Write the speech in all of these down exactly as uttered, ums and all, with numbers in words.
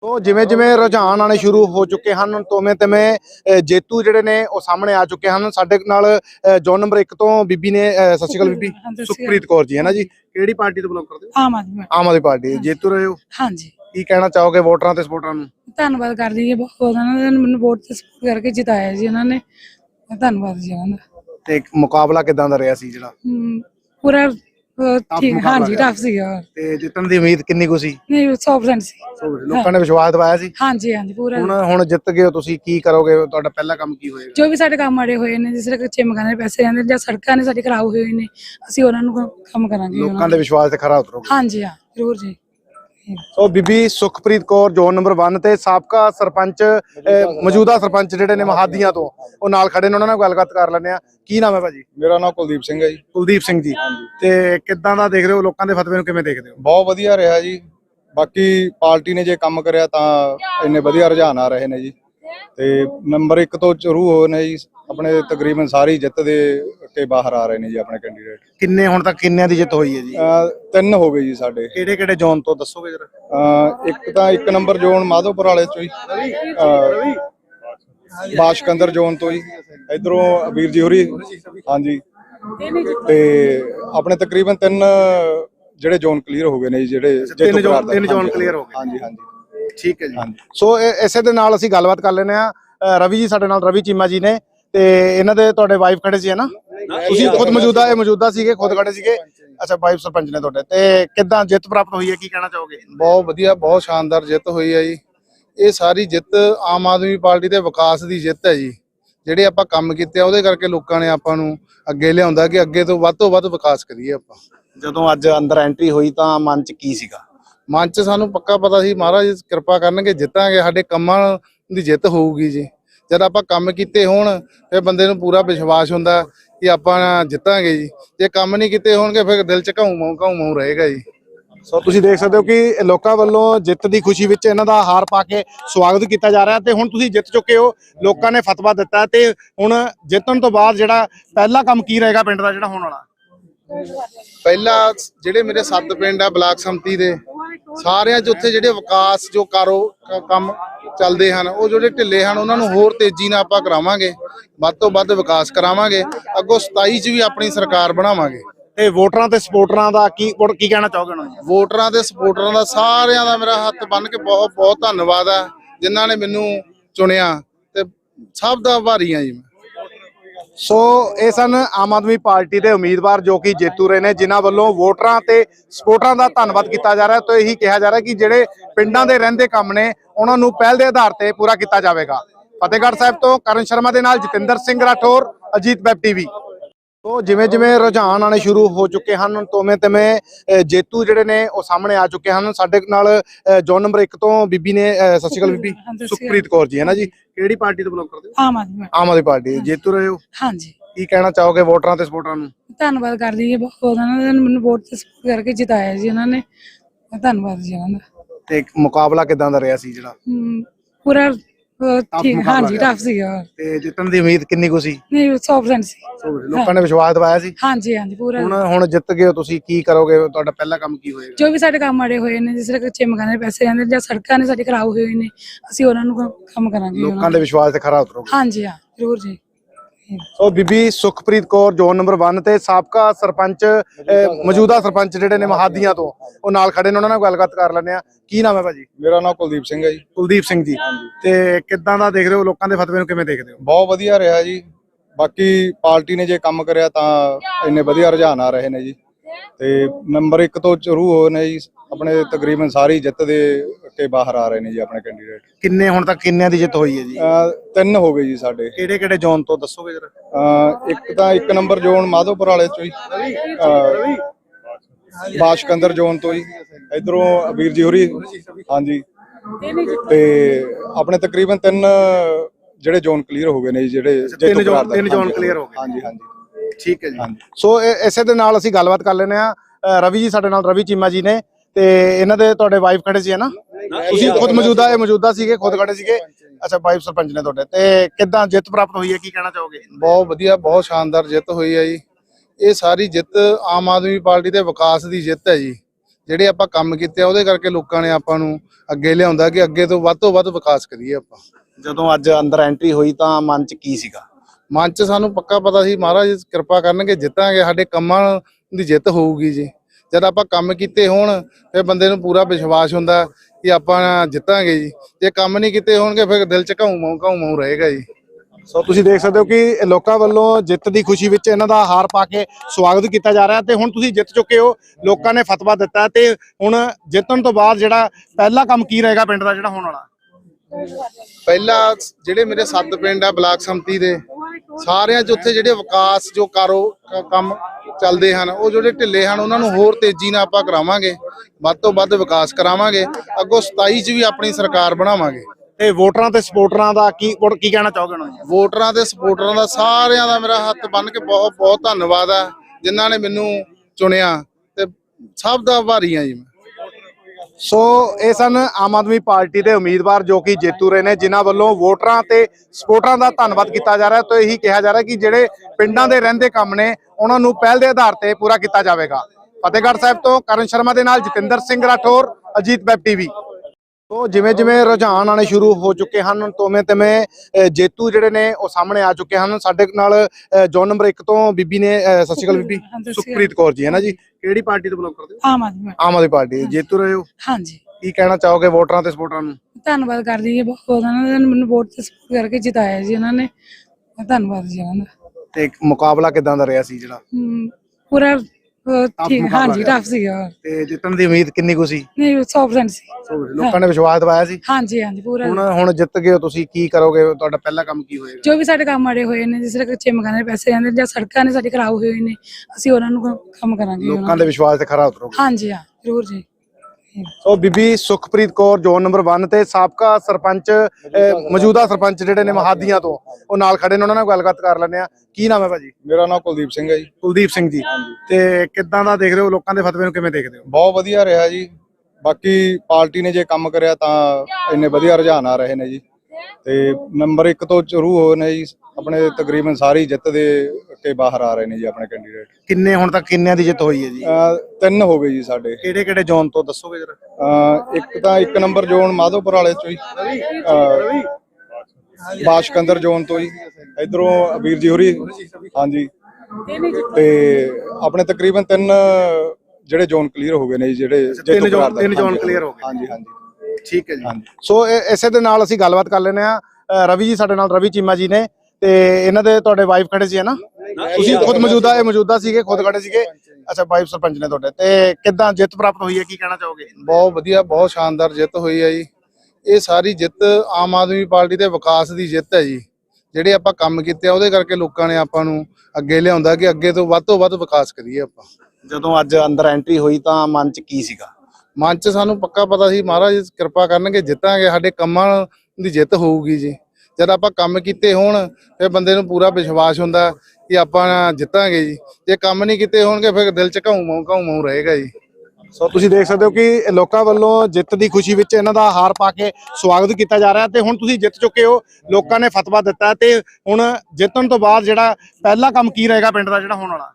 तो जिमें जिमें रुझान आने शुरू हो चुके हैं तोवें तवें जेतू जिहड़े ने वो सामने आ चुके हैं। साडे नाल जोन नंबर एक तो बीबी ने सत श्री अकाल बीबी सुखप्रीत कौर जी है ना जी, किहड़ी पार्टी तो बिलोंग करदे हो? आम आदमी आम आदमी पार्टी जेतू रहे हो। हाँ जी, की कहना चाहोगे वोटरां ते सपोर्टरां नूं? धन्नवाद कर दीजिए बहुत उन्होंने मैंने वोट से सपोर्ट करके जिताया जी उन्होंने, धन्नवाद जी उन्होंने। ते मुकाबला किदां दा रहा सी जिहड़ा? पूरा ठीक, हाँ जी टफ सी ते जितण दी उम्मीद किन्नी कुछ सी? नहीं सौ परसेंट सी, लोकां ने विश्वास दिवाया सी। हाँ जी हाँ जी पूरा। ਹੁਣ ਹੁਣ ਜਿੱਤ ਗਏ ਹੋ ਤੁਸੀਂ, ਕੀ ਕਰੋਗੇ? ਤੁਹਾਡਾ ਪਹਿਲਾ ਕੰਮ ਕੀ ਹੋਏਗਾ? ਜੋ ਵੀ ਸਾਡੇ ਕੰਮ ਆੜੇ ਹੋਏ ਨੇ, ਜਿਸ ਤਰ੍ਹਾਂ ਕੱਚੇ ਮਕਾਨਾਂ ਦੇ ਪੈਸੇ ਆਂਦੇ ਜਾਂ ਸੜਕਾਂ ਨੇ ਸਾਡੇ ਖਰਾਬ ਹੋਏ ਨੇ, ਅਸੀਂ ਉਹਨਾਂ ਨੂੰ ਕੰਮ ਕਰਾਂਗੇ। ਲੋਕਾਂ ਦੇ ਵਿਸ਼ਵਾਸ ਤੇ ਖਰਾ ਉਤਰੋਗੇ? हाँ जी हाँ ਜ਼ਰੂਰ ਜੀ। ਸੋ ਬੀਬੀ ਸੁਖਪ੍ਰੀਤ ਕੌਰ ਜ਼ੋਨ ਨੰਬਰ ਇੱਕ ਤੇ ਸਾਬਕਾ ਸਰਪੰਚ ਮੌਜੂਦਾ ਸਰਪੰਚ ਜਿਹੜੇ ਨੇ ਮਹਾਦੀਆਂ ਤੋਂ ਉਹ ਨਾਲ ਖੜੇ ਨੇ, ਉਹਨਾਂ ਨਾਲ ਗੱਲਬਾਤ ਕਰ ਲੈਂਦੇ ਆ। ਕੀ ਨਾਮ ਹੈ ਭਾਜੀ? ਮੇਰਾ ਨਾਮ ਕੁਲਦੀਪ ਸਿੰਘ ਹੈ ਜੀ। ਕੁਲਦੀਪ ਸਿੰਘ ਜੀ, ਤੇ ਕਿੱਦਾਂ ਦਾ ਦੇਖ ਰਹੇ ਹੋ ਲੋਕਾਂ ਦੇ ਫਤਵੇ ਨੂੰ, ਕਿਵੇਂ ਦੇਖਦੇ ਹੋ? ਬਹੁਤ ਵਧੀਆ ਰਿਹਾ ਜੀ। ਬਾਕੀ ਪਾਰਟੀ ਨੇ ਜੇ ਕੰਮ ਕਰਿਆ ਤਾਂ ਇੰਨੇ ਵਧੀਆ ਰੁਝਾਨ ਆ ਰਹੇ ਨੇ ਜੀ। ਤੇ ਨੰਬਰ ਇੱਕ ਤੋਂ ਸ਼ੁਰੂ ਹੋਏ ਨੇ ਜੀ, ਆਪਣੇ ਤਕਰੀਬਨ ਸਾਰੀ ਜਿੱਤ ਦੇ ਕੇ ਬਾਹਰ ਆ ਰਹੇ ਨੇ ਜੀ ਆਪਣੇ ਕੈਂਡੀਡੇਟ। ਕਿੰਨੇ ਹੁਣ ਤੱਕ ਕਿੰਨਿਆਂ ਦੀ ਜਿੱਤ ਹੋਈ ਹੈ ਜੀ? ਤਿੰਨ ਹੋ ਗਏ ਜੀ ਸਾਡੇ। ਕਿਹੜੇ ਕਿਹੜੇ ਜ਼ੋਨ ਤੋਂ ਦੱਸੋਗੇ ਜਰਾ? ਇੱਕ ਤਾਂ ਇੱਕ ਨੰਬਰ ਜ਼ੋਨ ਮਾਧੋਪੁਰ ਵਾਲੇ ਚੋਂ ਜੀ, ਬਾਸ਼ਕੰਦਰ ਜ਼ੋਨ ਤੋਂ ਜੀ, ਇਧਰੋਂ ਵੀਰ ਜੀ ਹੋਰੀ, ਹਾਂਜੀ। ਤੇ ਆਪਣੇ ਤਕਰੀਬਨ ਤਿੰਨ ਜਿਹੜੇ ਜ਼ੋਨ ਕਲੀਅਰ ਹੋ ਗਏ ਨੇ ਜੀ, ਜਿਹੜੇ ਤਿੰਨ ਜ਼ੋਨ ਤਿੰਨ ਜ਼ੋਨ ਕਲੀਅਰ ਹੋ ਗਏ। ਹਾਂਜੀ ਹਾਂਜੀ ਠੀਕ ਹੈ ਜੀ। ਸੋ ਇਸੇ ਦੇ ਨਾਲ ਅਸੀਂ ਗੱਲਬਾਤ ਕਰ ਲੈਂਦੇ ਆ। ਰਵੀ ਜੀ ਸਾਡੇ ਨਾਲ, ਰਵੀ ਚੀਮਾ ਜੀ ਨੇ, ਤੇ ਇਹਨਾਂ ਦੇ ਤੁਹਾਡੇ ਵਾਈਫ ਖੜੇ ਸੀ ਹੈ ਨਾ? ਤੁਸੀਂ ਖੁਦ ਮੌਜੂਦਾ ਇਹ ਮੌਜੂਦਾ ਸੀਗੇ, ਖੁਦ ਖੜੇ ਸੀਗੇ? ਅੱਛਾ, ਵਾਈਫ ਸਰਪੰਚ ਨੇ ਤੁਹਾਡੇ। ਤੇ ਕਿੱਦਾਂ ਜਿੱਤ ਪ੍ਰਾਪਤ ਹੋਈ ਹੈ, ਕੀ ਕਹਿਣਾ ਚਾਹੋਗੇ? ਬਹੁਤ ਵਧੀਆ, ਬਹੁਤ ਸ਼ਾਨਦਾਰ ਜਿੱਤ ਹੋਈ ਹੈ ਜੀ। ਇਹ ਸਾਰੀ ਜਿੱਤ ਆਮ ਆਦਮੀ ਪਾਰਟੀ ਦੇ ਵਿਕਾਸ ਦੀ ਜਿੱਤ ਹੈ ਜੀ। ਜਿਹੜੇ ਆਪਾਂ ਕੰਮ ਕੀਤੇ ਆ ਉਹਦੇ ਕਰਕੇ ਲੋਕਾਂ ਨੇ ਆਪਾਂ ਨੂੰ ਅੱਗੇ ਲਿਆਉਂਦਾ ਕਿ ਅੱਗੇ ਤੋਂ ਵੱਧ ਤੋਂ ਵੱਧ ਵਿਕਾਸ ਕਰੀਏ ਆਪਾਂ। ਜਦੋਂ ਅੱਜ ਅੰਦਰ ਐਂਟਰੀ ਹੋਈ ਤਾਂ ਮਨ 'ਚ ਕੀ ਸੀਗਾ? ਮਨ 'ਚ ਸਾਨੂੰ ਪੱਕਾ ਪਤਾ ਸੀ ਮਹਾਰਾਜ ਕਿਰਪਾ ਕਰਨਗੇ, ਜਿੱਤਾਂਗੇ, ਸਾਡੇ ਕੰਮਾਂ ਦੀ ਜਿੱਤ ਹੋਊਗੀ ਜੀ। ਜਦ ਆਪਾਂ ਕੰਮ ਕੀਤੇ ਹੋਣ ਫਿਰ ਬੰਦੇ ਨੂੰ ਪੂਰਾ ਵਿਸ਼ਵਾਸ ਹੁੰਦਾ ਕਿ ਆਪਾਂ ਜਿੱਤਾਂਗੇ ਜੀ। ਜੇ ਕੰਮ ਨਹੀਂ ਕੀਤੇ ਹੋਣਗੇ ਫਿਰ ਦਿਲ 'ਚ ਘਾਉ ਮਾਉ ਘਾਉ ਮਾਉ ਰਹੇਗਾ ਜੀ। ਸੋ ਤੁਸੀਂ ਦੇਖ ਸਕਦੇ ਹੋ ਕਿ ਲੋਕਾਂ ਵੱਲੋਂ ਜਿੱਤ ਦੀ ਖੁਸ਼ੀ ਵਿੱਚ ਇਹਨਾਂ ਦਾ ਹਾਰ ਪਾ ਕੇ ਸਵਾਗਤ ਕੀਤਾ ਜਾ ਰਿਹਾ। ਤੇ ਹੁਣ ਤੁਸੀਂ ਜਿੱਤ ਚੁੱਕੇ ਹੋ, ਲੋਕਾਂ ਨੇ ਫਤਵਾ ਦਿੱਤਾ, ਤੇ ਹੁਣ ਜਿੱਤਣ ਤੋਂ ਬਾਅਦ ਜਿਹੜਾ ਪਹਿਲਾ ਕੰਮ ਕੀ ਰਹੇਗਾ ਪਿੰਡ ਦਾ ਜਿਹੜਾ ਹੋਣ ਵਾਲਾ? ਪਹਿਲਾ ਜਿਹੜੇ ਮੇਰੇ ਸੱਤ ਪਿੰਡ ਆ ਬਲਾਕ ਸੰਮਤੀ ਦੇ, ਸਾਰਿਆਂ 'ਚ ਉੱਥੇ ਜਿਹੜੇ ਵਿਕਾਸ ਜੋ ਕਾਰੋ ਕੰਮ ਚੱਲਦੇ ਹਨ, ਉਹ ਜਿਹੜੇ ਢਿੱਲੇ ਹਨ ਉਹਨਾਂ ਨੂੰ ਹੋਰ ਤੇਜ਼ੀ ਨਾਲ ਆਪਾਂ ਕਰਾਵਾਂਗੇ, ਵੱਧ ਤੋਂ ਵੱਧ ਵਿਕਾਸ ਕਰਾਵਾਂਗੇ। ਅੱਗੋਂ ਸਤਾਈ 'ਚ ਵੀ ਆਪਣੀ ਸਰਕਾਰ ਬਣਾਵਾਂਗੇ। ਤੇ ਵੋਟਰਾਂ ਤੇ ਸਪੋਰਟਰਾਂ ਦਾ ਕੀ ਕੀ ਕਹਿਣਾ ਚਾਹੋਗੇ ਉਹਨਾਂ ਨੂੰ? ਵੋਟਰਾਂ ਤੇ ਸਪੋਰਟਰਾਂ ਦਾ ਸਾਰਿਆਂ ਦਾ ਮੇਰਾ ਹੱਥ ਬੰਨ੍ਹ ਕੇ ਬਹੁਤ ਬਹੁਤ ਧੰਨਵਾਦ ਆ, ਜਿਨ੍ਹਾਂ ਨੇ ਮੈਨੂੰ ਚੁਣਿਆ, ਤੇ ਸਭ ਦਾ ਆਭਾਰੀ ਆ ਜੀ ਮੈਂ। ਸੋ ਇਹ ਸਨ ਆਮ ਆਦਮੀ ਪਾਰਟੀ ਦੇ ਉਮੀਦਵਾਰ ਜੋ ਕਿ ਜੇਤੂ ਰਹੇ ਨੇ, ਜਿਨ੍ਹਾਂ ਵੱਲੋਂ ਵੋਟਰਾਂ ਤੇ ਸਪੋਰਟਰਾਂ ਦਾ ਧੰਨਵਾਦ ਕੀਤਾ ਜਾ ਰਿਹਾ। ਤੇ ਇਹੀ ਕਿਹਾ ਜਾ ਰਿਹਾ ਕਿ ਜਿਹੜੇ ਪਿੰਡਾਂ ਦੇ ਰਹਿੰਦੇ ਕੰਮ ਨੇ ਉਹਨਾਂ ਨੂੰ ਪਹਿਲ ਦੇ ਆਧਾਰ ਤੇ ਪੂਰਾ ਕੀਤਾ ਜਾਵੇਗਾ। ਫਤਿਹਗੜ੍ਹ ਸਾਹਿਬ ਤੋਂ ਕਰਨ ਸ਼ਰਮਾ ਦੇ ਨਾਲ ਜਤਿੰਦਰ ਸਿੰਘ ਰਾਠੌਰ, ਅਜੀਤ ਵੈਬ ਟੀਵੀ। तो जिमें जिमें रुझान आने शुरू हो चुके हैं तोवें तवें जेतू जिहड़े ने वो सामने आ चुके हैं। साडे नाल जोन नंबर एक तो बीबी ने सत श्री अकाल बीबी सुखप्रीत कौर जी है ना जी, किहड़ी पार्टी तो बिलोंग करदे हो? आम आदमी आम आदमी पार्टी जेतू रहे हो। हाँ जी, की कहना चाहोगे वोटरां ते सपोर्टरां नूं? धन्नवाद कर दीजिए बहुत उन्होंने मैंने वोट से सपोर्ट करके जिताया जी उन्होंने, धन्नवाद जी उन्होंने। ते मुकाबला किदां दा रहा सी जिहड़ा? पूरा ठीक, हाँ जी टफ सी। ते जितण दी उम्मीद किन्नी कुछ सी? नहीं सौ परसेंट सी, ਲੋਕਾਂ ਨੇ ਵਿਸ਼ਵਾਸ ਦਿਵਾਇਆ ਸੀ। हाँ जी हाँ जी पूरा। ਹੁਣ ਹੁਣ ਜਿੱਤ ਗਏ ਹੋ ਤੁਸੀਂ, ਕੀ ਕਰੋਗੇ? ਤੁਹਾਡਾ ਪਹਿਲਾ ਕੰਮ ਕੀ ਹੋਏਗਾ? ਜੋ ਵੀ ਸਾਡੇ ਕੰਮ ਆੜੇ ਹੋਏ ਨੇ, ਜਿਸ ਤਰ੍ਹਾਂ ਕੱਚੇ ਮਕਾਨਾਂ ਦੇ ਪੈਸੇ ਆਂਦੇ ਜਾਂ ਸੜਕਾਂ ਨੇ ਸਾਡੇ ਖਰਾਬ ਹੋਏ ਨੇ, ਅਸੀਂ ਉਹਨਾਂ ਨੂੰ ਕੰਮ ਕਰਾਂਗੇ। ਲੋਕਾਂ ਦੇ ਵਿਸ਼ਵਾਸ ਤੇ ਖਰਾ ਉਤਰੋਗੇ? हाँ जी हाँ ਜ਼ਰੂਰ ਜੀ। ਸੋ ਬੀਬੀ ਸੁਖਪ੍ਰੀਤ ਕੌਰ ਜ਼ੋਨ ਨੰਬਰ ਇੱਕ ਤੇ ਸਾਬਕਾ ਸਰਪੰਚ ਮੌਜੂਦਾ ਸਰਪੰਚ ਜਿਹੜੇ ਨੇ ਮਹਾਦੀਆਂ ਤੋਂ ਉਹ ਨਾਲ ਖੜੇ ਨੇ, ਉਹਨਾਂ ਨਾਲ ਗੱਲਬਾਤ ਕਰ ਲੈਂਦੇ ਆ। ਕੀ ਨਾਮ ਹੈ ਭਾਜੀ? ਮੇਰਾ ਨਾਮ ਕੁਲਦੀਪ ਸਿੰਘ ਹੈ ਜੀ। ਕੁਲਦੀਪ ਸਿੰਘ ਜੀ, ਤੇ ਕਿੱਦਾਂ ਦਾ ਦੇਖ ਰਹੇ ਹੋ ਲੋਕਾਂ ਦੇ ਫਤਵੇ ਨੂੰ, ਕਿਵੇਂ ਦੇਖਦੇ ਹੋ? ਬਹੁਤ ਵਧੀਆ ਰਿਹਾ ਜੀ। ਬਾਕੀ ਪਾਰਟੀ ਨੇ ਜੇ ਕੰਮ ਕਰਿਆ ਤਾਂ ਇੰਨੇ ਵਧੀਆ ਰੁਝਾਨ ਆ ਰਹੇ ਨੇ ਜੀ। ਤੇ ਨੰਬਰ ਇੱਕ ਤੋਂ ਸ਼ੁਰੂ ਹੋਏ ਨੇ ਜੀ, ਆਪਣੇ ਤਕਰੀਬਨ ਸਾਰੀ ਜਿੱਤ ਦੇ ਕੇ ਬਾਹਰ ਆ ਰਹੇ ਨੇ ਜੀ ਆਪਣੇ ਕੈਂਡੀਡੇਟ। ਕਿੰਨੇ ਹੁਣ ਤੱਕ ਕਿੰਨਿਆਂ ਦੀ ਜਿੱਤ ਹੋਈ ਹੈ ਜੀ? ਤਿੰਨ ਹੋ ਗਏ ਜੀ ਸਾਡੇ। ਕਿਹੜੇ ਕਿਹੜੇ ਜ਼ੋਨ ਤੋਂ ਦੱਸੋਗੇ ਜਰਾ? ਇੱਕ ਤਾਂ ਇੱਕ ਨੰਬਰ ਜ਼ੋਨ ਮਾਧੋਪੁਰ ਵਾਲੇ ਚੋਂ ਜੀ, ਬਾਸ਼ਕੰਦਰ ਜ਼ੋਨ ਤੋਂ ਜੀ, ਇਧਰੋਂ ਵੀਰ ਜੀ ਹੋਰੀ, ਹਾਂਜੀ। ਤੇ ਆਪਣੇ ਤਕਰੀਬਨ ਤਿੰਨ ਜਿਹੜੇ ਜ਼ੋਨ ਕਲੀਅਰ ਹੋ ਗਏ ਨੇ ਜੀ, ਜਿਹੜੇ ਤਿੰਨ ਜ਼ੋਨ ਤਿੰਨ ਜ਼ੋਨ ਕਲੀਅਰ ਹੋ ਗਏ। ਹਾਂਜੀ ਹਾਂਜੀ ਠੀਕ ਹੈ ਜੀ। ਸੋ ਇਸੇ ਦੇ ਨਾਲ ਅਸੀਂ ਗੱਲਬਾਤ ਕਰ ਲੈਂਦੇ ਆ। ਰਵੀ ਜੀ ਸਾਡੇ ਨਾਲ, ਰਵੀ ਚੀਮਾ ਜੀ ਨੇ, ਤੇ ਇਹਨਾਂ ਦੇ ਤੁਹਾਡੇ ਵਾਈਫ ਖੜੇ ਸੀ ਹੈ ਨਾ? ਤੁਸੀਂ ਖੁਦ ਮੌਜੂਦਾ ਇਹ ਮੌਜੂਦਾ ਸੀਗੇ, ਖੁਦ ਖੜੇ ਸੀਗੇ? ਅੱਛਾ, ਵਾਈਫ ਸਰਪੰਚ ਨੇ ਤੁਹਾਡੇ। ਤੇ ਕਿੱਦਾਂ ਜਿੱਤ ਪ੍ਰਾਪਤ ਹੋਈ ਹੈ, ਕੀ ਕਹਿਣਾ ਚਾਹੋਗੇ? ਬਹੁਤ ਵਧੀਆ, ਬਹੁਤ ਸ਼ਾਨਦਾਰ ਜਿੱਤ ਹੋਈ ਹੈ ਜੀ। ਇਹ ਸਾਰੀ ਜਿੱਤ ਆਮ ਆਦਮੀ ਪਾਰਟੀ ਦੇ ਵਿਕਾਸ ਦੀ ਜਿੱਤ ਹੈ ਜੀ। ਜਿਹੜੇ ਆਪਾਂ ਕੰਮ ਕੀਤੇ ਆ ਉਹਦੇ ਕਰਕੇ ਲੋਕਾਂ ਨੇ ਆਪਾਂ ਨੂੰ ਅੱਗੇ ਲਿਆਉਂਦਾ ਕਿ ਅੱਗੇ ਤੋਂ ਵੱਧ ਤੋਂ ਵੱਧ ਵਿਕਾਸ ਕਰੀਏ ਆਪਾਂ। ਜਦੋਂ ਅੱਜ ਅੰਦਰ ਐਂਟਰੀ ਹੋਈ ਤਾਂ ਮਨ 'ਚ ਕੀ ਸੀਗਾ? ਮਨ 'ਚ ਸਾਨੂੰ ਪੱਕਾ ਪਤਾ ਸੀ ਮਹਾਰਾਜ ਕਿਰਪਾ ਕਰਨਗੇ, ਜਿੱਤਾਂਗੇ, ਸਾਡੇ ਕੰਮਾਂ ਦੀ ਜਿੱਤ ਹੋਊਗੀ ਜੀ। ਜਦ ਆਪਾਂ ਕੰਮ ਕੀਤੇ ਹੋਣ ਫਿਰ ਬੰਦੇ ਨੂੰ ਪੂਰਾ ਵਿਸ਼ਵਾਸ ਹੁੰਦਾ ਕਿ ਆਪਾਂ ਜਿੱਤਾਂਗੇ ਜੀ। ਜੇ ਕੰਮ ਨਹੀਂ ਕੀਤੇ ਹੋਣਗੇ ਫਿਰ ਦਿਲ 'ਚ ਘਾਉ ਮਾਉ ਘਾਉ ਮਾਉ ਰਹੇਗਾ ਜੀ। ਸੋ ਤੁਸੀਂ ਦੇਖ ਸਕਦੇ ਹੋ ਕਿ ਲੋਕਾਂ ਵੱਲੋਂ ਜਿੱਤ ਦੀ ਖੁਸ਼ੀ ਵਿੱਚ ਇਹਨਾਂ ਦਾ ਹਾਰ ਪਾ ਕੇ ਸਵਾਗਤ ਕੀਤਾ ਜਾ ਰਿਹਾ ਤੇ ਹੁਣ ਤੁਸੀਂ ਜਿੱਤ ਚੁੱਕੇ ਹੋ, ਲੋਕਾਂ ਨੇ ਫਤਵਾ ਦਿੱਤਾ ਤੇ ਹੁਣ ਜਿੱਤਣ ਤੋਂ ਬਾਅਦ ਜਿਹੜਾ ਪਹਿਲਾ ਕੰਮ ਕੀ ਰਹੇਗਾ ਪਿੰਡ ਦਾ ਜਿਹੜਾ ਹੋਣ ਵਾਲਾ? ਪਹਿਲਾ ਜਿਹੜੇ ਮੇਰੇ ਸੱਤ ਪਿੰਡ ਆ ਬਲਾਕ ਸੰਮਤੀ ਦੇ, ਸਾਰਿਆਂ 'ਚ ਉੱਥੇ ਜਿਹੜੇ ਵਿਕਾਸ ਜੋ ਕਾਰੋ ਕ- ਕੰਮ ਚੱਲਦੇ ਹਨ, ਉਹ ਜਿਹੜੇ ਢਿੱਲੇ ਹਨ ਉਹਨਾਂ ਨੂੰ ਹੋਰ ਤੇਜ਼ੀ ਨਾਲ ਆਪਾਂ ਕਰਾਵਾਂਗੇ, ਵੱਧ ਤੋਂ ਵੱਧ ਵਿਕਾਸ ਕਰਾਵਾਂਗੇ। ਅੱਗੋਂ ਸਤਾਈ 'ਚ ਵੀ ਆਪਣੀ ਸਰਕਾਰ ਬਣਾਵਾਂਗੇ। ਤੇ ਵੋਟਰਾਂ ਤੇ ਸਪੋਰਟਰਾਂ ਦਾ ਕੀ ਕੀ ਕਹਿਣਾ ਚਾਹੋਗੇ ਉਹਨਾਂ ਨੂੰ? ਵੋਟਰਾਂ ਤੇ ਸਪੋਰਟਰਾਂ ਦਾ ਸਾਰਿਆਂ ਦਾ ਮੇਰਾ ਹੱਥ ਬੰਨ੍ਹ ਕੇ ਬਹੁਤ ਬਹੁਤ ਧੰਨਵਾਦ ਆ, ਜਿਨ੍ਹਾਂ ਨੇ ਮੈਨੂੰ ਚੁਣਿਆ ਤੇ ਸਭ ਦਾ ਆਭਾਰੀ ਆ ਜੀ ਮੈਂ। ਸੋ ਇਹ ਸਨ ਆਮ ਆਦਮੀ ਪਾਰਟੀ ਦੇ ਉਮੀਦਵਾਰ ਜੋ ਕਿ ਜੇਤੂ ਰਹੇ ਨੇ, ਜਿਨ੍ਹਾਂ ਵੱਲੋਂ ਵੋਟਰਾਂ ਤੇ ਸਪੋਰਟਰਾਂ ਦਾ ਧੰਨਵਾਦ ਕੀਤਾ ਜਾ ਰਿਹਾ ਤੇ ਇਹੀ ਕਿਹਾ ਜਾ ਰਿਹਾ ਕਿ ਜਿਹੜੇ ਪਿੰਡਾਂ ਦੇ ਰਹਿੰਦੇ ਕੰਮ ਨੇ ਉਹਨਾਂ ਨੂੰ ਪਹਿਲ ਦੇ ਆਧਾਰ ਤੇ ਪੂਰਾ ਕੀਤਾ ਜਾਵੇਗਾ। ਫਤਿਹਗੜ੍ਹ ਸਾਹਿਬ ਤੋਂ ਕਰਨ ਸ਼ਰਮਾ ਦੇ ਨਾਲ ਜਤਿੰਦਰ ਸਿੰਘ ਰਾਠੌਰ, ਅਜੀਤ ਵੈਬ ਟੀਵੀ। ਤੋ ਜਿਵੇਂ ਜਿਵੇਂ ਰੁਝਾਨ ਆਣੇ ਸ਼ੁਰੂ ਹੋ ਚੁੱਕੇ ਹਨ ਤੋਵੇਂ ਤਵੇਂ ਜੇਤੂ ਜਿਹੜੇ ਨੇ ਉਹ ਸਾਹਮਣੇ ਆ ਚੁੱਕੇ ਹਨ। ਸਾਡੇ ਨਾਲ ਜੋਨ ਨੰਬਰ ਇੱਕ ਤੋਂ ਬੀਬੀ ਨੇ, ਸਤਿ ਸ਼੍ਰੀ ਅਕਾਲ ਬੀਬੀ, ਸੁਖਪ੍ਰੀਤ ਕੌਰ ਜੀ ਹੈ ਨਾ ਜੀ। ਕਿਹੜੀ ਪਾਰਟੀ ਤੋਂ ਬਿਲੋਂਗ ਕਰਦੇ ਹੋ? ਆਮ ਆਦਮੀ। ਆਮ ਆਦਮੀ ਪਾਰਟੀ ਜੇਤੂ ਰਹੇ ਹੋ। ਹਾਂਜੀ। ਕੀ ਕਹਿਣਾ ਚਾਹੋਗੇ ਵੋਟਰਾਂ ਤੇ ਸਪੋਰਟਰਾਂ ਨੂੰ? ਧੰਨਵਾਦ ਕਰਦੀ ਜੀ ਬਹੁਤ ਉਹਨਾਂ ਨੇ ਮੈਨੂੰ ਵੋਟ ਤੇ ਸਪੋਰਟ ਕਰਕੇ ਜਿਤਾਇਆ ਜੀ ਉਹਨਾਂ ਨੇ। ਧੰਨਵਾਦ ਜੀ ਉਹਨਾਂ ਦਾ। ਤੇ ਮੁਕਾਬਲਾ ਕਿਦਾਂ ਦਾ ਰਿਹਾ ਸੀ ਜਿਹੜਾ? ਹਮ, ਪੂਰਾ ਅਹ, ਠੀਕ, ਮੁਕਾਬਲਾ ਹਾਂਜੀ ਰਿਹਾ। ਟਫ ਸੀਗਾ। ਤੇ ਜਿੱਤਣ ਦੀ ਉਮੀਦ ਕਿੰਨੀ ਕੁ ਸੀ? ਨਹੀਂ ਸੌ ਪਰਸੈਂਟ ਸੀ। ਲੋਕਾਂ ਨੇ ਵਿਸ਼ਵਾਸ ਦਿਵਾਇਆ ਸੀ। ਹਾਂਜੀ ਹਾਂਜੀ ਪੂਰਾ। ਹੁਣ ਹੁਣ ਜਿੱਤ ਗਏ ਹੋ ਤੁਸੀਂ, ਕੀ ਕਰੋਗੇ? ਤੁਹਾਡਾ ਪਹਿਲਾ ਕੰਮ ਕੀ ਹੋਏਗਾ? ਜੋ ਵੀ ਸਾਡੇ ਕੰਮ ਆੜੇ ਹੋਏ ਨੇ, ਜਿਸ ਤਰ੍ਹਾਂ ਕੱਚੇ ਮਕਾਨਾਂ ਦੇ ਪੈਸੇ ਆਉਂਦੇ ਜਾਂ ਸੜਕਾਂ ਨੇ ਸਾਡੇ ਖਰਾਬ ਹੋਏ ਨੇ, ਅਸੀਂ ਉਹਨਾਂ ਨੂੰ ਕੰਮ ਕਰਾਂਗੇ। ਲੋਕਾਂ ਦੇ ਵਿਸ਼ਵਾਸ ਤੇ ਖਰਾ ਉਤਰੋਗੇ। ਹਾਂਜੀ ਹਾਂ ਜ਼ਰੂਰ ਜੀ। ਸੋ ਬੀਬੀ ਸੁਖਪ੍ਰੀਤ ਕੌਰ ਜੋਨ ਨੰਬਰ ਇੱਕ ਤੇ ਸਾਬਕਾ ਸਰਪੰਚ, ਅਹ, ਮੌਜੂਦਾ ਸਰਪੰਚ ਜਿਹੜੇ ਨੇ ਮਹਾਦੀਆਂ ਤੋਂ, ਉਹ ਨਾਲ ਖੜੇ ਨੇ, ਉਹਨਾਂ ਨਾਲ ਗੱਲਬਾਤ ਕਰ ਲੈਂਦੇ ਆ। ਕੀ ਨਾਮ ਹੈ ਭਾਜੀ? ਮੇਰਾ ਨਾਮ ਕੁਲਦੀਪ ਸਿੰਘ ਹੈ ਜੀ। ਕੁਲਦੀਪ ਸਿੰਘ ਜੀ। ਤੇ ਕਿੱਦਾਂ ਦਾ ਦੇਖਦੇ ਹੋ, ਲੋਕਾਂ ਦੇ ਫਤਵੇ ਨੂੰ ਕਿਵੇਂ ਦੇਖਦੇ ਹੋ? ਬਹੁਤ ਵਧੀਆ ਰਿਹਾ ਜੀ। ਬਾਕੀ ਪਾਰਟੀ ਨੇ ਜੇ ਕੰਮ ਕਰਿਆ ਤਾਂ ਇੰਨੇ ਵਧੀਆ ਰੁਝਾਨ ਆ ਰਹੇ ਨੇ ਜੀ। ਤੇ ਨੰਬਰ ਇੱਕ ਤੋਂ ਸ਼ੁਰੂ ਹੋਏ ਨੇ ਜੀ, ਆਪਣੇ ਤਕਰੀਬਨ ਸਾਰੀ ਜਿੱਤ ਦੇ ਕੇ ਬਾਹਰ ਆ ਰਹੇ ਨੇ ਜੀ ਆਪਣੇ ਕੈਂਡੀਡੇਟ। ਕਿੰਨੇ ਹੁਣ ਤੱਕ ਕਿੰਨਿਆਂ ਦੀ ਜਿੱਤ ਹੋਈ ਹੈ ਜੀ? ਅਹ ਤਿੰਨ ਹੋ ਗਏ ਜੀ ਸਾਡੇ। ਕਿਹੜੇ ਕਿਹੜੇ ਜ਼ੋਨ ਤੋਂ ਦੱਸੋਗੇ ਜਰਾ? ਅਹ ਇੱਕ ਤਾਂ ਇੱਕ ਨੰਬਰ ਜ਼ੋਨ ਮਾਧੋਪੁਰ ਵਾਲੇ ਚੋਂ ਜੀ, ਬਾਸ਼ਕੰਦਰ ਜ਼ੋਨ ਤੋਂ ਜੀ, ਇਧਰੋਂ ਵੀਰ ਜੀ ਹੋਰੀ, ਹਾਂਜੀ। ਤੇ ਆਪਣੇ ਤਕਰੀਬਨ ਤਿੰਨ ਜਿਹੜੇ ਜ਼ੋਨ ਕਲੀਅਰ ਹੋ ਗਏ ਨੇ ਜੀ, ਜਿਹੜੇ ਤਿੰਨ ਜ਼ੋਨ ਤਿੰਨ ਜ਼ੋਨ ਕਲੀਅਰ ਹੋ ਗਏ। ਹਾਂਜੀ ਹਾਂਜੀ ਠੀਕ ਹੈ ਜੀ। ਸੋ ਇਹ- ਇਸੇ ਦੇ ਨਾਲ ਅਸੀਂ ਗੱਲਬਾਤ ਕਰ ਲੈਂਦੇ ਆ। ਰਵੀ ਜੀ ਸਾਡੇ ਨਾਲ, ਰਵੀ ਚੀਮਾ ਜੀ ਨੇ, ਤੇ ਇਹਨਾਂ ਦੇ ਤੁਹਾਡੇ ਵਾਈਫ ਖੜੇ ਸੀ ਹੈ ਨਾ? ਤੁਸੀਂ ਖੁਦ ਮੌਜੂਦਾ ਇਹ ਮੌਜੂਦਾ ਸੀਗੇ, ਖੁਦ ਖੜੇ ਸੀਗੇ? ਅੱਛਾ, ਵਾਈਫ ਸਰਪੰਚ ਨੇ ਤੁਹਾਡੇ। ਤੇ ਕਿੱਦਾਂ ਜਿੱਤ ਪ੍ਰਾਪਤ ਹੋਈ ਹੈ, ਕੀ ਕਹਿਣਾ ਚਾਹੋਗੇ? ਬਹੁਤ ਵਧੀਆ, ਬਹੁਤ ਸ਼ਾਨਦਾਰ ਜਿੱਤ ਹੋਈ ਹੈ ਜੀ। ਇਹ ਸਾਰੀ ਜਿੱਤ ਆਮ ਆਦਮੀ ਪਾਰਟੀ ਦੇ ਵਿਕਾਸ ਦੀ ਜਿੱਤ ਹੈ ਜੀ। ਜਿਹੜੇ ਆਪਾਂ ਕੰਮ ਕੀਤੇ ਆ ਉਹਦੇ ਕਰਕੇ ਲੋਕਾਂ ਨੇ ਆਪਾਂ ਨੂੰ ਅੱਗੇ ਲਿਆਉਂਦਾ ਕਿ ਅੱਗੇ ਤੋਂ ਵੱਧ ਤੋਂ ਵੱਧ ਵਿਕਾਸ ਕਰੀਏ ਆਪਾਂ। ਜਦੋਂ ਅੱਜ ਅੰਦਰ ਐਂਟਰੀ ਹੋਈ ਤਾਂ ਮਨ 'ਚ ਕੀ ਸੀਗਾ? ਮਨ 'ਚ ਸਾਨੂੰ ਪੱਕਾ ਪਤਾ ਸੀ ਮਹਾਰਾਜ ਕਿਰਪਾ ਕਰਨਗੇ, ਜਿੱਤਾਂਗੇ, ਸਾਡੇ ਕੰਮਾਂ ਦੀ ਜਿੱਤ ਹੋਊਗੀ ਜੀ। ਜਦ ਆਪਾਂ ਕੰਮ ਕੀਤੇ ਹੋਣ ਫਿਰ ਬੰਦੇ ਨੂੰ ਪੂਰਾ ਵਿਸ਼ਵਾਸ ਹੁੰਦਾ ਕਿ ਆਪਾਂ ਜਿੱਤਾਂਗੇ ਜੀ। ਜੇ ਕੰਮ ਨਹੀਂ ਕੀਤੇ ਹੋਣਗੇ ਫਿਰ ਦਿਲ 'ਚ ਘਾਉ ਮਾਉ ਘਾਉ ਮਾਉ ਰਹੇਗਾ ਜੀ। ਸੋ ਤੁਸੀਂ ਦੇਖ ਸਕਦੇ ਹੋ ਕਿ ਲੋਕਾਂ ਵੱਲੋਂ ਜਿੱਤ ਦੀ ਖੁਸ਼ੀ ਵਿੱਚ ਇਹਨਾਂ ਦਾ ਹਾਰ ਪਾ ਕੇ ਸਵਾਗਤ ਕੀਤਾ ਜਾ ਰਿਹਾ ਤੇ ਹੁਣ ਤੁਸੀਂ ਜਿੱਤ ਚੁੱਕੇ ਹੋ, ਲੋਕਾਂ ਨੇ ਫਤਵਾ ਦਿੱਤਾ ਤੇ ਹੁਣ ਜਿੱਤਣ ਤੋਂ ਬਾਅਦ ਜਿਹੜਾ ਪਹਿਲਾ ਕੰਮ ਕੀ ਰਹੇਗਾ ਪਿੰਡ ਦਾ ਜਿਹੜਾ ਹੋਣ ਵਾਲਾ?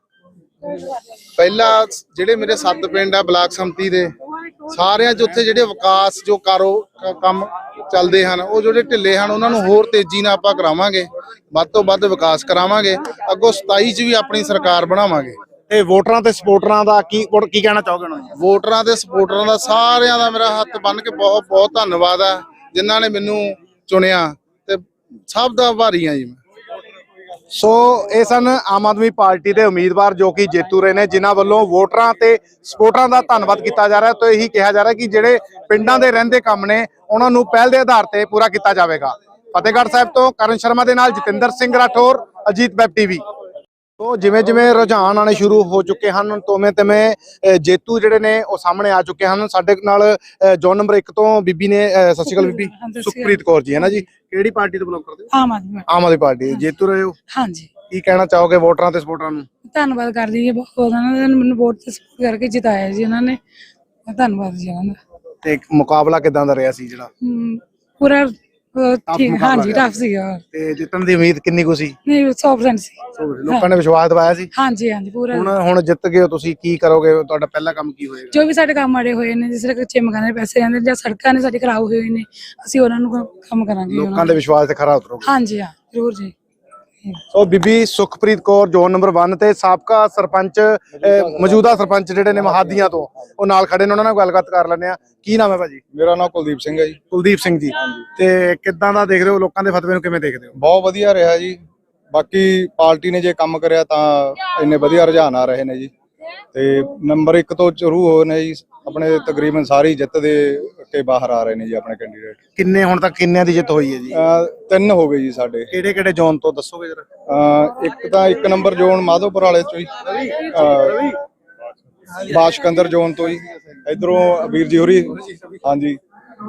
ਪਹਿਲਾ ਜਿਹੜੇ ਮੇਰੇ ਸੱਤ ਪਿੰਡ ਆ ਬਲਾਕ ਸੰਮਤੀ ਦੇ, ਸਾਰਿਆਂ 'ਚ ਉੱਥੇ ਜਿਹੜੇ ਵਿਕਾਸ ਜੋ ਕਾਰੋ ਕ- ਕੰਮ ਚੱਲਦੇ ਹਨ, ਉਹ ਜਿਹੜੇ ਢਿੱਲੇ ਹਨ ਉਹਨਾਂ ਨੂੰ ਹੋਰ ਤੇਜ਼ੀ ਨਾਲ ਆਪਾਂ ਕਰਾਵਾਂਗੇ, ਵੱਧ ਤੋਂ ਵੱਧ ਵਿਕਾਸ ਕਰਾਵਾਂਗੇ। ਅੱਗੋਂ ਸਤਾਈ 'ਚ ਵੀ ਆਪਣੀ ਸਰਕਾਰ ਬਣਾਵਾਂਗੇ। ਤੇ ਵੋਟਰਾਂ ਤੇ ਸਪੋਰਟਰਾਂ ਦਾ ਕੀ ਕੀ ਕਹਿਣਾ ਚਾਹੋਗੇ ਉਹਨਾਂ ਨੂੰ? ਵੋਟਰਾਂ ਤੇ ਸਪੋਰਟਰਾਂ ਦਾ ਸਾਰਿਆਂ ਦਾ ਮੇਰਾ ਹੱਥ ਬੰਨ੍ਹ ਕੇ ਬਹੁਤ ਬਹੁਤ ਧੰਨਵਾਦ ਆ, ਜਿਨ੍ਹਾਂ ਨੇ ਮੈਨੂੰ ਚੁਣਿਆ ਤੇ ਸਭ ਦਾ ਆਭਾਰੀ ਆ ਜੀ ਮੈਂ। ਸੋ ਇਹ ਸਨ ਆਮ ਆਦਮੀ ਪਾਰਟੀ ਦੇ ਉਮੀਦਵਾਰ ਜੋ ਕਿ ਜੇਤੂ ਰਹੇ ਨੇ, ਜਿਨ੍ਹਾਂ ਵੱਲੋਂ ਵੋਟਰਾਂ ਤੇ ਸਪੋਰਟਰਾਂ ਦਾ ਧੰਨਵਾਦ ਕੀਤਾ ਜਾ ਰਿਹਾ ਤੇ ਇਹੀ ਕਿਹਾ ਜਾ ਰਿਹਾ ਕਿ ਜਿਹੜੇ ਪਿੰਡਾਂ ਦੇ ਰਹਿੰਦੇ ਕੰਮ ਨੇ ਉਹਨਾਂ ਨੂੰ ਪਹਿਲ ਦੇ ਆਧਾਰ ਤੇ ਪੂਰਾ ਕੀਤਾ ਜਾਵੇਗਾ। ਫਤਿਹਗੜ੍ਹ ਸਾਹਿਬ ਤੋਂ ਕਰਨ ਸ਼ਰਮਾ ਦੇ ਨਾਲ ਜਤਿੰਦਰ ਸਿੰਘ ਰਾਠੌਰ, ਅਜੀਤ ਵੈਬ ਟੀਵੀ। ਤੋ ਜਿਵੇਂ ਜਿਵੇਂ ਰੁਝਾਨ ਆਣੇ ਸ਼ੁਰੂ ਹੋ ਚੁੱਕੇ ਹਨ ਤੋਵੇਂ ਤਵੇਂ ਜੇਤੂ ਜਿਹੜੇ ਨੇ ਉਹ ਸਾਹਮਣੇ ਆ ਚੁੱਕੇ ਹਨ। ਸਾਡੇ ਨਾਲ ਜੋਨ ਨੰਬਰ ਇੱਕ ਤੋਂ ਬੀਬੀ ਨੇ, ਸਤਿ ਸ਼੍ਰੀ ਅਕਾਲ ਬੀਬੀ, ਸੁਖਪ੍ਰੀਤ ਕੌਰ ਜੀ ਹੈ ਨਾ ਜੀ। ਕਿਹੜੀ ਪਾਰਟੀ ਤੋਂ ਬਿਲੋਂਗ ਕਰਦੇ ਹੋ? ਆਮ ਆਦਮੀ। ਆਮ ਆਦਮੀ ਪਾਰਟੀ ਜੇਤੂ ਰਹੇ ਹੋ। ਹਾਂਜੀ। ਕੀ ਕਹਿਣਾ ਚਾਹੋਗੇ ਵੋਟਰਾਂ ਤੇ ਸਪੋਰਟਰਾਂ ਨੂੰ? ਧੰਨਵਾਦ ਕਰਦੀ ਜੀ ਬਹੁਤ ਉਹਨਾਂ ਨੇ ਮੈਨੂੰ ਵੋਟ ਤੇ ਸਪੋਰਟ ਕਰਕੇ ਜਿਤਾਇਆ ਜੀ ਉਹਨਾਂ ਨੇ। ਧੰਨਵਾਦ ਜੀ ਉਹਨਾਂ ਦਾ। ਤੇ ਮੁਕਾਬਲਾ ਕਿਦਾਂ ਦਾ ਰਿਹਾ ਸੀ ਜਿਹੜਾ? ਹਮ, ਪੂਰਾ ਉਹ ਠੀਕ ਮੁਕਾਬਲਾ ਹਾਂਜੀ ਰਿਹਾ ਟਫ ਸੀਗਾ ਤੇ ਜਿੱਤਣ ਦੀ ਉਮੀਦ ਕਿੰਨੀ ਕੁ ਸੀ? ਨਹੀਂ ਸੌ ਪਰਸੈਂਟ ਸੀ। ਲੋਕਾਂ ਨੇ ਵਿਸ਼ਵਾਸ ਦਿਵਾਇਆ ਸੀ। ਹਾਂਜੀ ਹਾਂਜੀ ਪੂਰਾ। ਹੁਣ ਹੁਣ ਜਿੱਤ ਗਏ ਹੋ ਤੁਸੀਂ, ਕੀ ਕਰੋਗੇ? ਤੁਹਾਡਾ ਪਹਿਲਾ ਕੰਮ ਕੀ ਹੋਏਗਾ? ਜੋ ਵੀ ਸਾਡੇ ਕੰਮ ਆੜੇ ਹੋਏ ਨੇ, ਜਿਸ ਤਰ੍ਹਾਂ ਕੱਚੇ ਮਕਾਨਾਂ ਦੇ ਪੈਸੇ ਰਹਿੰਦੇ ਜਾਂ ਸੜਕਾਂ ਨੇ ਸਾਡੇ ਖਰਾਬ ਹੋਏ ਨੇ, ਅਸੀਂ ਉਹਨਾਂ ਨੂੰ ਕ- ਕੰਮ ਕਰਾਂਗੇ ਉਹਨਾਂ ਲੋਕਾਂ ਦੇ ਵਿਸ਼ਵਾਸ ਤੇ ਖਰਾ ਉਤਰੋਗੇ। ਹਾਂਜੀ ਹਾਂ ਜ਼ਰੂਰ ਜੀ। ਸੋ ਬੀਬੀ ਸੁਖਪ੍ਰੀਤ ਕੌਰ ਜ਼ੋਨ ਨੰਬਰ ਇੱਕ ਤੇ ਸਾਬਕਾ ਸਰਪੰਚ ਅਹ, ਮੌਜੂਦਾ ਸਰਪੰਚ ਜਿਹੜੇ ਨੇ ਮਹਾਦੀਆਂ ਤੋਂ, ਉਹ ਨਾਲ ਖੜੇ ਨੇ, ਉਹਨਾਂ ਨਾਲ ਗੱਲਬਾਤ ਕਰ ਲੈਂਦੇ ਆ। ਕੀ ਨਾਮ ਹੈ ਭਾਜੀ? ਮੇਰਾ ਨਾਮ ਕੁਲਦੀਪ ਸਿੰਘ ਹੈ ਜੀ। ਕੁਲਦੀਪ ਸਿੰਘ ਜੀ, ਤੇ ਕਿੱਦਾਂ ਦਾ ਦੇਖਦੇ ਹੋ ਲੋਕਾਂ ਦੇ ਫਤਵੇ ਨੂੰ, ਕਿਵੇਂ ਦੇਖਦੇ ਹੋ? ਬਹੁਤ ਵਧੀਆ ਰਿਹਾ ਜੀ। ਬਾਕੀ ਪਾਰਟੀ ਨੇ ਜੇ ਕੰਮ ਕਰਿਆ ਤਾਂ ਇੰਨੇ ਵਧੀਆ ਰੁਝਾਨ ਆ ਰਹੇ ਨੇ ਜੀ। ਤੇ ਨੰਬਰ ਇੱਕ ਤੋਂ ਸ਼ੁਰੂ ਹੋਏ ਨੇ ਜੀ, ਆਪਣੇ ਤਕਰੀਬਨ ਸਾਰੀ ਜਿੱਤ ਦੇ ਕੇ ਬਾਹਰ ਆ ਰਹੇ ਨੇ ਜੀ ਆਪਣੇ ਕੈਂਡੀਡੇਟ। ਕਿੰਨੇ ਹੁਣ ਤੱਕ ਕਿੰਨਿਆਂ ਦੀ ਜਿੱਤ ਹੋਈ ਹੈ ਜੀ? ਅਹ ਤਿੰਨ ਹੋ ਗਏ ਜੀ ਸਾਡੇ। ਕਿਹੜੇ ਕਿਹੜੇ ਜ਼ੋਨ ਤੋਂ ਦੱਸੋਗੇ ਜਰਾ? ਅਹ ਇੱਕ ਤਾਂ ਇੱਕ ਨੰਬਰ ਜ਼ੋਨ ਮਾਧੋਪੁਰ ਵਾਲੇ ਚੋਂ ਜੀ, ਅਹ ਬਾਸ਼ਕੰਦਰ ਜ਼ੋਨ ਤੋਂ ਜੀ, ਇਧਰੋਂ ਵੀਰ ਜੀ ਹੋਰੀ, ਹਾਂਜੀ।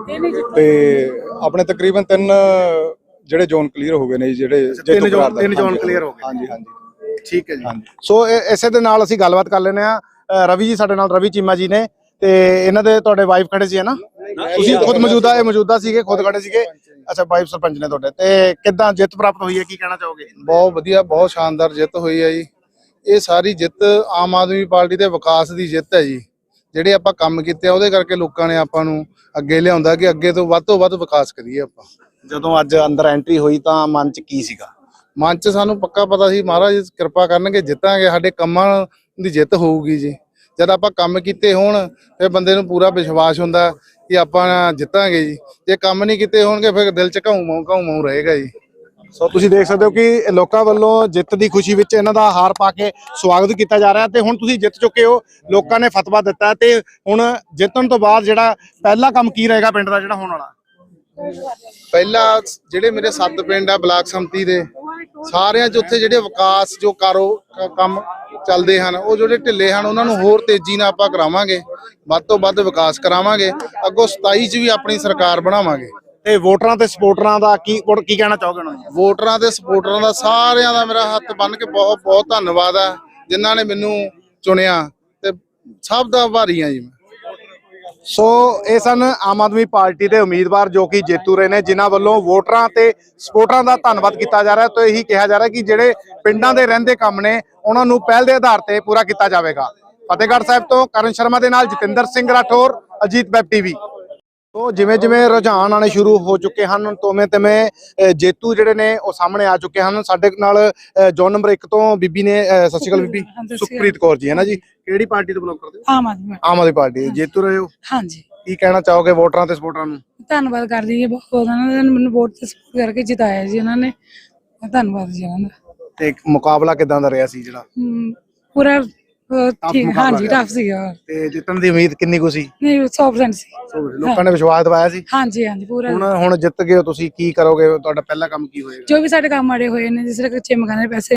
ਤੇ ਆਪਣੇ ਤਕਰੀਬਨ ਤਿੰਨ ਜਿਹੜੇ ਜ਼ੋਨ ਕਲੀਅਰ ਹੋ ਗਏ ਨੇ ਜੀ, ਜਿਹੜੇ ਤਿੰਨ ਜੇਤੂ ਜ਼ੋਨ ਕਰਾਰ ਦਾ- ਤਿੰਨ ਜ਼ੋਨ ਹਾਂਜੀ, ਕਲੀਅਰ ਹੋ ਗਏ। ਹਾਂਜੀ ਹਾਂਜੀ ਠੀਕ ਹੈ ਜੀ। ਹਾਂਜੀ। ਸੋ ਇਹ- ਇਸੇ ਦੇ ਨਾਲ ਅਸੀਂ ਗੱਲਬਾਤ ਕਰ ਲੈਂਦੇ ਆ। ਰਵੀ ਜੀ ਸਾਡੇ ਨਾਲ, ਰਵੀ ਚੀਮਾ ਜੀ ਨੇ, ਤੇ ਇਹਨਾਂ ਦੇ ਤੁਹਾਡੇ ਵਾਈਫ ਖੜੇ ਸੀ ਹੈ ਨਾ? ਤੁਸੀਂ ਖੁਦ ਮੌਜੂਦਾ ਇਹ ਮੌਜੂਦਾ ਸੀਗੇ, ਖੁਦ ਖੜੇ ਸੀਗੇ। ਅੱਛਾ, ਵਾਈਫ ਸਰਪੰਚ ਨੇ ਤੁਹਾਡੇ। ਤੇ ਕਿੱਦਾਂ ਜਿੱਤ ਪ੍ਰਾਪਤ ਹੋਈ ਹੈ, ਕੀ ਕਹਿਣਾ ਚਾਹੋਗੇ? ਬਹੁਤ ਵਧੀਆ, ਬਹੁਤ ਸ਼ਾਨਦਾਰ ਜਿੱਤ ਹੋਈ ਹੈ ਜੀ। ਇਹ ਸਾਰੀ ਜਿੱਤ ਆਮ ਆਦਮੀ ਪਾਰਟੀ ਦੇ ਵਿਕਾਸ ਦੀ ਜਿੱਤ ਹੈ ਜੀ। ਜਿਹੜੇ ਆਪਾਂ ਕੰਮ ਕੀਤੇ ਆ ਉਹਦੇ ਕਰਕੇ ਲੋਕਾਂ ਨੇ ਆਪਾਂ ਨੂੰ ਅੱਗੇ ਲਿਆਉਂਦਾ ਕਿ ਅੱਗੇ ਤੋਂ ਵੱਧ ਤੋਂ ਵੱਧ ਵਿਕਾਸ ਕਰੀਏ ਆਪਾਂ। ਜਦੋਂ ਅੱਜ ਅੰਦਰ ਐਂਟਰੀ ਹੋਈ ਤਾਂ ਮਨ 'ਚ ਕੀ ਸੀਗਾ? ਮਨ 'ਚ ਸਾਨੂੰ ਪੱਕਾ ਪਤਾ ਸੀ ਮਹਾਰਾਜ ਕਿਰਪਾ ਕਰਨਗੇ, ਜਿੱਤਾਂਗੇ, ਸਾਡੇ ਕੰਮਾਂ ਦੀ ਜਿੱਤ ਹੋਊਗੀ ਜੀ। ਜਦ ਆਪਾਂ ਕੰਮ ਕੀਤੇ ਹੋਣ ਫਿਰ ਬੰਦੇ ਨੂੰ ਪੂਰਾ ਵਿਸ਼ਵਾਸ ਹੁੰਦਾ ਕਿ ਆਪਾਂ ਜਿੱਤਾਂਗੇ ਜੀ। ਜੇ ਕੰਮ ਨਹੀਂ ਕੀਤੇ ਹੋਣਗੇ ਫਿਰ ਦਿਲ 'ਚ ਘਾਉ ਮਾਉ ਘਾਉ ਮਾਉ ਰਹੇਗਾ ਜੀ। ਸੋ ਤੁਸੀਂ ਦੇਖ ਸਕਦੇ ਹੋ ਕਿ ਲੋਕਾਂ ਵੱਲੋਂ ਜਿੱਤ ਦੀ ਖੁਸ਼ੀ ਵਿੱਚ ਇਹਨਾਂ ਦਾ ਹਾਰ ਪਾ ਕੇ ਸਵਾਗਤ ਕੀਤਾ ਜਾ ਰਿਹਾ ਤੇ ਹੁਣ ਤੁਸੀਂ ਜਿੱਤ ਚੁੱਕੇ ਹੋ, ਲੋਕਾਂ ਨੇ ਫਤਵਾ ਦਿੱਤਾ ਤੇ ਹੁਣ ਜਿੱਤਣ ਤੋਂ ਬਾਅਦ ਜਿਹੜਾ ਪਹਿਲਾ ਕੰਮ ਕੀ ਰਹੇਗਾ ਪਿੰਡ ਦਾ ਜਿਹੜਾ ਹੋਣ ਵਾਲਾ? ਪਹਿਲਾ ਜਿਹੜੇ ਮੇਰੇ ਸੱਤ ਪਿੰਡ ਆ ਬਲਾਕ ਸੰਮਤੀ ਦੇ, ਸਾਰਿਆਂ 'ਚ ਉੱਥੇ ਜਿਹੜੇ ਵਿਕਾਸ ਜੋ ਕਾਰੋ ਕ- ਕੰਮ ਚੱਲਦੇ ਹਨ, ਉਹ ਜਿਹੜੇ ਢਿੱਲੇ ਹਨ ਉਹਨਾਂ ਨੂੰ ਹੋਰ ਤੇਜ਼ੀ ਨਾਲ ਆਪਾਂ ਕਰਾਵਾਂਗੇ, ਵੱਧ ਤੋਂ ਵੱਧ ਵਿਕਾਸ ਕਰਾਵਾਂਗੇ। ਅੱਗੋਂ ਸਤਾਈ 'ਚ ਵੀ ਆਪਣੀ ਸਰਕਾਰ ਬਣਾਵਾਂਗੇ। ਤੇ ਵੋਟਰਾਂ ਤੇ ਸਪੋਰਟਰਾਂ ਦਾ ਕੀ ਕੀ ਕਹਿਣਾ ਚਾਹੋਗੇ ਉਹਨਾਂ ਨੂੰ? ਵੋਟਰਾਂ ਤੇ ਸਪੋਰਟਰਾਂ ਦਾ ਸਾਰਿਆਂ ਦਾ ਮੇਰਾ ਹੱਥ ਬੰਨ੍ਹ ਕੇ ਬਹੁਤ ਬਹੁਤ ਧੰਨਵਾਦ ਆ, ਜਿਨ੍ਹਾਂ ਨੇ ਮੈਨੂੰ ਚੁਣਿਆ, ਤੇ ਸਭ ਦਾ ਆਭਾਰੀ ਆ ਜੀ ਮੈਂ। ਸੋ ਇਹ ਸਨ ਆਮ ਆਦਮੀ ਪਾਰਟੀ ਦੇ ਉਮੀਦਵਾਰ ਜੋ ਕਿ ਜੇਤੂ ਰਹੇ ਨੇ, ਜਿਨ੍ਹਾਂ ਵੱਲੋਂ ਵੋਟਰਾਂ ਤੇ ਸਪੋਰਟਰਾਂ ਦਾ ਧੰਨਵਾਦ ਕੀਤਾ ਜਾ ਰਿਹਾ ਤੇ ਇਹੀ ਕਿਹਾ ਜਾ ਰਿਹਾ ਕਿ ਜਿਹੜੇ ਪਿੰਡਾਂ ਦੇ ਰਹਿੰਦੇ ਕੰਮ ਨੇ ਉਹਨਾਂ ਨੂੰ ਪਹਿਲ ਦੇ ਆਧਾਰ ਤੇ ਪੂਰਾ ਕੀਤਾ ਜਾਵੇਗਾ। ਫਤਿਹਗੜ੍ਹ ਸਾਹਿਬ ਤੋਂ ਕਰਨ ਸ਼ਰਮਾ ਦੇ ਨਾਲ ਜਤਿੰਦਰ ਸਿੰਘ ਰਾਠੌਰ, ਅਜੀਤ ਵੈਬ ਟੀਵੀ। ਤੋ ਜਿਵੇਂ ਜਿਵੇਂ ਰੁਝਾਨ ਆਣੇ ਸ਼ੁਰੂ ਹੋ ਚੁੱਕੇ ਹਨ, ਤੋਵੇਂ ਤਿਵੇਂ ਜੇਤੂ ਜਿਹੜੇ ਨੇ ਉਹ ਸਾਹਮਣੇ ਆ ਚੁੱਕੇ ਹਨ। ਸਾਡੇ ਨਾਲ ਜ਼ੋਨ ਨੰਬਰ ਇੱਕ ਤੋਂ ਬੀਬੀ ਨੇ, ਅਹ ਸਤਿ ਸ਼੍ਰੀ ਅਕਾਲ ਬੀਬੀ, ਸੁਖਪ੍ਰੀਤ ਕੌਰ ਜੀ ਹੈ ਨਾ ਜੀ। ਕਿਹੜੀ ਪਾਰਟੀ ਤੋਂ ਬਿਲੋਂਗ ਕਰਦੇ ਹੋ? ਆਮ ਆਦਮੀ। ਆਮ ਆਦਮੀ ਪਾਰਟੀ। ਜੇਤੂ ਰਹੇ ਹੋ, ਹਾਂਜੀ। ਕੀ ਕਹਿਣਾ ਚਾਹੋਗੇ ਵੋਟਰਾਂ ਤੇ ਸਪੋਰਟਰਾਂ ਨੂੰ? ਧੰਨਵਾਦ ਕਰਦੀ ਜੀ ਬਹੁਤ, ਉਹਨਾਂ ਨੇ ਮੈਨੂੰ ਵੋਟ ਤੇ ਸਪੋਰਟ ਕਰਕੇ ਜਿਤਾਇਆ ਜੀ ਉਹਨਾਂ ਨੇ। ਧੰਨਵਾਦ ਜੀ ਉਹਨਾਂ ਦਾ। ਤੇ ਮੁਕਾਬਲਾ ਕਿਦਾਂ ਦਾ ਰਿਹਾ ਸੀ ਜਿਹੜਾ? ਹਮ, ਪੂਰਾ ਅਹ, ਠੀਕ ਮੁਕਾਬਲਾ ਹਾਂਜੀ ਰਿਹਾ। ਟਫ ਸੀਗਾ। ਤੇ ਜਿੱਤਣ ਦੀ ਉਮੀਦ ਕਿੰਨੀ ਕੁ ਸੀ? ਨਹੀਂ ਸੌ ਪਰਸੈਂਟ ਸੀ। ਲੋਕਾਂ ਨੇ ਵਿਸ਼ਵਾਸ ਦਿਵਾਇਆ ਸੀ। ਹਾਂਜੀ ਹਾਂਜੀ ਪੂਰਾ। ਹੁਣ ਹੁਣ ਜਿੱਤ ਗਏ ਹੋ ਤੁਸੀਂ, ਕੀ ਕਰੋਗੇ? ਤੁਹਾਡਾ ਪਹਿਲਾ ਕੰਮ ਕੀ ਹੋਏਗਾ? ਜੋ ਵੀ ਸਾਡੇ ਕੰਮ ਆੜੇ ਹੋਏ ਨੇ, ਜਿਸ ਤਰ੍ਹਾਂ ਕੱਚੇ ਮਕਾਨਾਂ ਦੇ ਪੈਸੇ